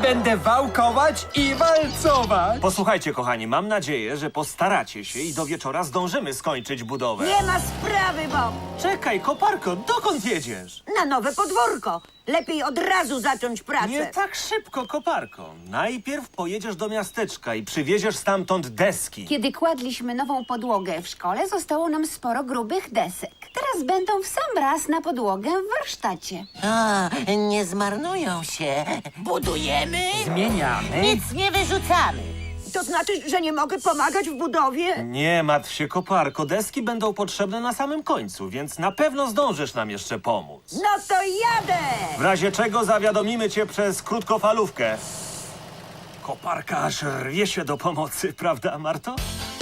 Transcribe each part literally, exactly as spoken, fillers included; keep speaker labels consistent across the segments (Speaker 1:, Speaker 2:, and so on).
Speaker 1: będę wałkować i walcować.
Speaker 2: Posłuchajcie, kochani, mam nadzieję, że postaracie się i do wieczora zdążymy skończyć budowę.
Speaker 3: Nie ma sprawy, Bob.
Speaker 2: Czekaj, koparko, dokąd jedziesz?
Speaker 3: Na nowe podwórko. Lepiej od razu zacząć pracę.
Speaker 2: Nie tak szybko, koparko. Najpierw pojedziesz do miasteczka i przywieziesz stamtąd deski.
Speaker 4: Kiedy kładliśmy nową podłogę w szkole, zostało nam sporo grubych desek. Teraz będą w sam raz na podłogę w warsztacie.
Speaker 5: A, nie zmarnują się. Budujemy,
Speaker 1: Zmieniamy.
Speaker 5: nic nie wyrzucamy.
Speaker 3: To znaczy, że nie mogę pomagać w budowie?
Speaker 2: Nie martw się, koparko, deski będą potrzebne na samym końcu, więc na pewno zdążysz nam jeszcze pomóc.
Speaker 3: No to jadę!
Speaker 2: W razie czego zawiadomimy cię przez krótkofalówkę. Koparka aż rwie się do pomocy, prawda, Marto?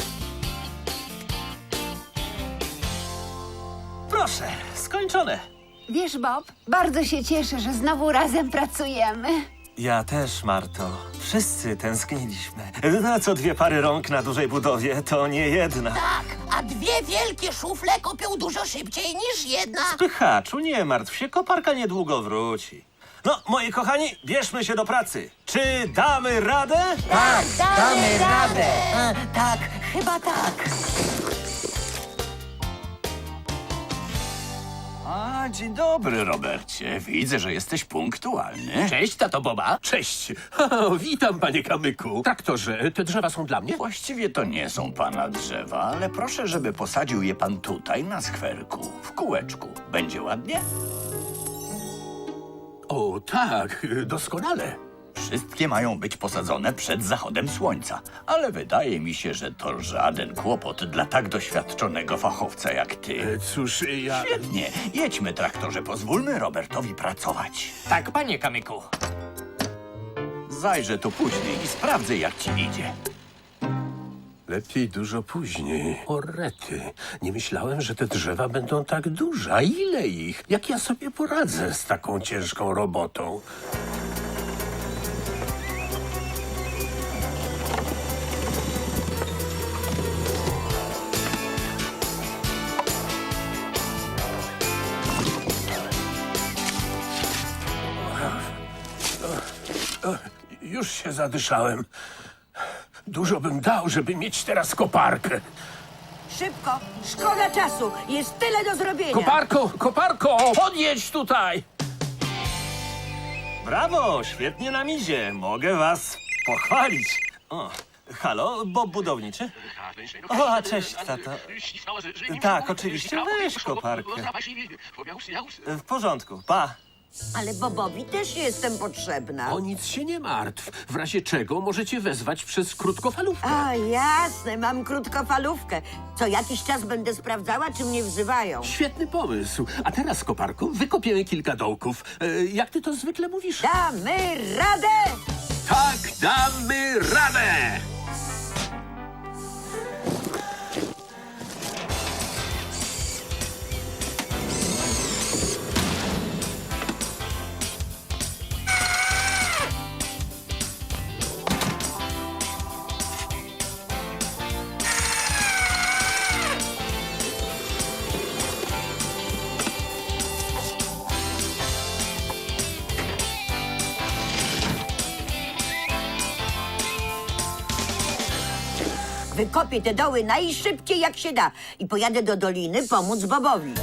Speaker 2: Proszę, skończone.
Speaker 4: Wiesz, Bob, bardzo się cieszę, że znowu razem pracujemy.
Speaker 2: Ja też, Marto. Wszyscy tęskniliśmy. Na co dwie pary rąk na dużej budowie, to nie jedna.
Speaker 5: Tak, a dwie wielkie szufle kopią dużo szybciej niż jedna.
Speaker 2: Pychaczu, nie martw się, koparka niedługo wróci. No, moi kochani, bierzmy się do pracy. Czy damy radę?
Speaker 5: Tak, damy radę. A, tak, chyba tak.
Speaker 6: A, dzień dobry, Robercie. Widzę, że jesteś punktualny.
Speaker 1: Cześć, tato Boba. Cześć. O, witam, panie Kamyku. Traktorze, te drzewa są dla mnie?
Speaker 6: Właściwie to nie są pana drzewa, ale proszę, żeby posadził je pan tutaj, na skwerku, w kółeczku. Będzie ładnie?
Speaker 1: O, tak, doskonale.
Speaker 6: Wszystkie mają być posadzone przed zachodem słońca, ale wydaje mi się, że to żaden kłopot dla tak doświadczonego fachowca jak ty.
Speaker 1: E, Cóż, ja...
Speaker 6: Świetnie. Jedźmy, traktorze. Pozwólmy Robertowi pracować.
Speaker 7: Tak, panie Kamyku.
Speaker 6: Zajrzę tu później i sprawdzę, jak ci idzie.
Speaker 1: Lepiej dużo później. O rety, nie myślałem, że te drzewa będą tak duże. A ile ich? Jak ja sobie poradzę z taką ciężką robotą? Już się zadyszałem. Dużo bym dał, żeby mieć teraz koparkę.
Speaker 3: Szybko, szkoda czasu. Jest tyle do zrobienia.
Speaker 1: Koparko, koparko, podjedź tutaj!
Speaker 2: Brawo, świetnie nam idzie. Mogę was pochwalić. O, halo, Bob budowniczy? O, a cześć, tato. Tak, oczywiście, weź koparkę. W porządku, pa.
Speaker 3: Ale Bobowi też jestem potrzebna.
Speaker 1: O nic się nie martw. W razie czego możecie wezwać przez krótkofalówkę.
Speaker 3: A, jasne, mam krótkofalówkę. Co jakiś czas będę sprawdzała, czy mnie wzywają.
Speaker 1: Świetny pomysł. A teraz, koparko, wykopiemy kilka dołków. E, jak ty to zwykle mówisz?
Speaker 3: Damy radę!
Speaker 1: Tak, damy radę!
Speaker 3: Wykopię te doły najszybciej jak się da i pojadę do doliny pomóc Bobowi.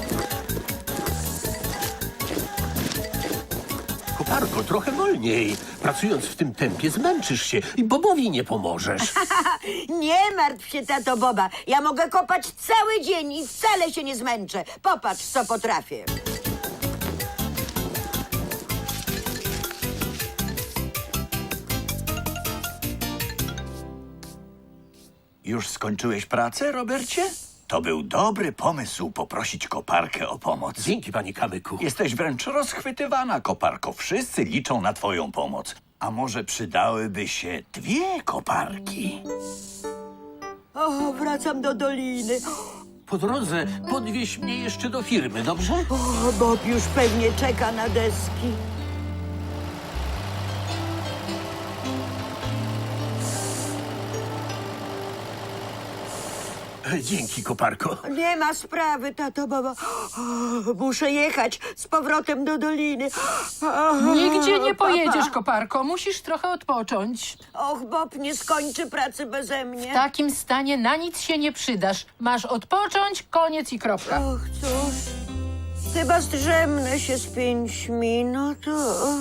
Speaker 1: Koparko, trochę wolniej. Pracując w tym tempie zmęczysz się i Bobowi nie pomożesz.
Speaker 3: Nie martw się, tato Boba. Ja mogę kopać cały dzień i wcale się nie zmęczę. Popatrz, co potrafię.
Speaker 6: Już skończyłeś pracę, Robercie? To był dobry pomysł poprosić koparkę o pomoc.
Speaker 1: Dzięki, panie Kamyku.
Speaker 6: Jesteś wręcz rozchwytywana, koparko. Wszyscy liczą na twoją pomoc. A może przydałyby się dwie koparki?
Speaker 3: O, wracam do doliny.
Speaker 1: Po drodze podwieź mnie jeszcze do firmy, dobrze?
Speaker 3: O, Bob już pewnie czeka na deski.
Speaker 1: Dzięki, koparko.
Speaker 3: Nie ma sprawy, tato Boba. O, muszę jechać z powrotem do doliny. O,
Speaker 7: Nigdzie nie
Speaker 3: papa.
Speaker 7: pojedziesz, koparko. Musisz trochę odpocząć.
Speaker 3: Och, Bob nie skończy pracy beze mnie.
Speaker 7: W takim stanie na nic się nie przydasz. Masz odpocząć, koniec i kropka.
Speaker 3: Och, cóż. Chyba zdrzemnę się z pięć minut. O.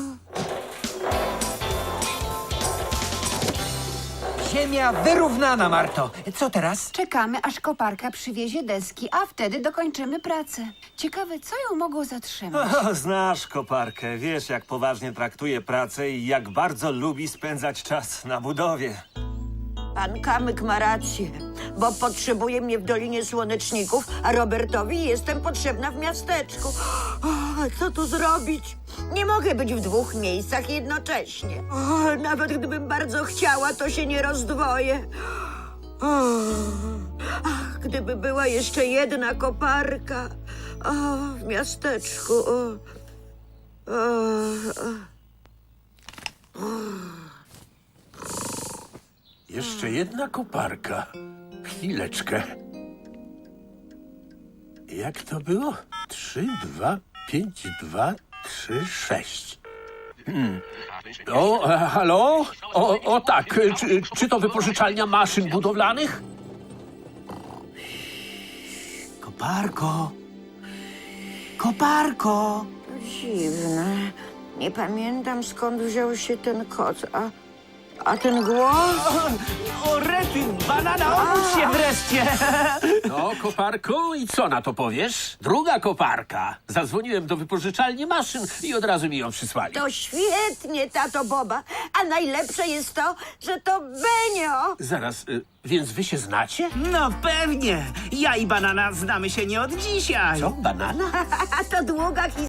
Speaker 8: Ziemia wyrównana, Marto. Co teraz?
Speaker 4: Czekamy, aż koparka przywiezie deski, a wtedy dokończymy pracę. Ciekawe, co ją mogło zatrzymać.
Speaker 2: O, znasz koparkę, wiesz jak poważnie traktuje pracę i jak bardzo lubi spędzać czas na budowie.
Speaker 3: Pan Kamyk ma rację, bo potrzebuje mnie w Dolinie Słoneczników, a Robertowi jestem potrzebna w miasteczku. O, co tu zrobić? Nie mogę być w dwóch miejscach jednocześnie. O, nawet gdybym bardzo chciała, to się nie rozdwoję. O, ach, gdyby była jeszcze jedna koparka o, w miasteczku. O, o, o.
Speaker 1: Jeszcze jedna koparka. Chwileczkę. Jak to było? Trzy, dwa, pięć, dwa, trzy, sześć. Hmm. O, e, halo? O, o tak, e, czy, czy to wypożyczalnia maszyn budowlanych?
Speaker 8: Koparko. Koparko.
Speaker 3: Dziwne. Nie pamiętam, skąd wziął się ten kot. A, a ten głos?
Speaker 8: O, rety, banana, obudź się wreszcie.
Speaker 1: No, koparko, i co na to powiesz? Druga koparka. Zadzwoniłem do wypożyczalni maszyn i od razu mi ją przysłali.
Speaker 3: To świetnie, tato Boba. A najlepsze jest to, że to Benio.
Speaker 1: Zaraz, y, więc wy się znacie?
Speaker 8: No pewnie. Ja i banana znamy się nie od dzisiaj.
Speaker 1: Co, banana?
Speaker 3: A to długa historia.